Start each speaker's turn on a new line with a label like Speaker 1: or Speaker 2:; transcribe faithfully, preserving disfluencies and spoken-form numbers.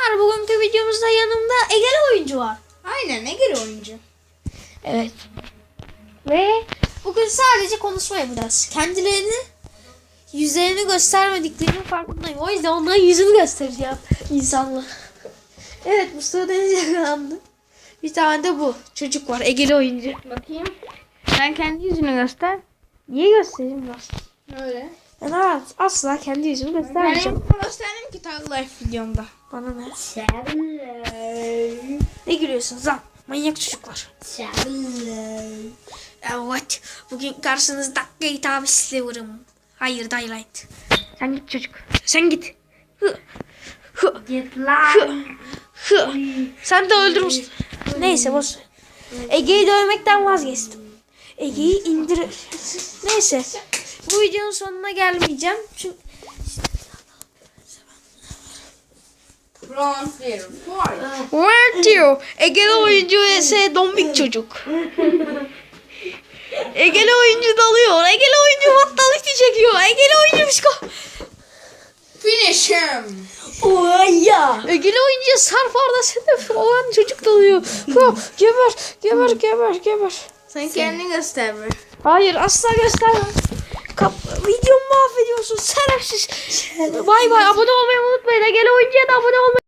Speaker 1: Arkadaşlar bugünkü videomuzda yanımda Egeli oyuncu var.
Speaker 2: Aynen, Egeli oyuncu.
Speaker 1: Evet. Ve bugün sadece konuşma yapacağız. Kendilerini, yüzlerini göstermediklerinin farkındayım. O yüzden onların yüzünü göstereceğim insanlar. Evet, Mustafa Deniz yakalandı. Bir tane de bu çocuk var, Egeli oyuncu.
Speaker 2: Bakayım. Sen kendi yüzünü göster.
Speaker 1: Niye göstereyim ben?
Speaker 2: Öyle.
Speaker 1: Ben asla kendi yüzümü
Speaker 2: Ben
Speaker 1: göstermeyeceğim.
Speaker 2: yapımı gösterdim ki Tag Life videomda.
Speaker 1: Bana ne? Ne gülüyorsunuz lan? Manyak çocuklar. Evet. Bugün karşınızda Gate Sliver'ım. Hayır, Daylight. Sen git çocuk. Sen git. Hı. Hı.
Speaker 2: Git
Speaker 1: Hı.
Speaker 2: lan.
Speaker 1: Hı. Sen de öldürmüşsün. Neyse boş. Ege'yi dövmekten vazgeçtim. Ege'yi indir. Neyse. Bu videonun sonuna gelmeyeceğim. Çünkü Where diyor? Egeli oyuncu vs dombik çocuk. Egeli oyuncu dalıyor. Egeli oyuncu battalite çekiyor. Egeli oyuncu psiko.
Speaker 2: Finish him.
Speaker 1: Oh ya. Egeli oyuncuya sarfarda sedef olan çocuk dalıyor. Ha, geber, geber, geber, geber.
Speaker 2: Sen kendini göster be.
Speaker 1: Hayır, asla göstermem. Kap videomu mahvediyorsun şerefsiz. Bay bay, abone olmayı unutmayın. Egeli oyuncuya da abone olmayı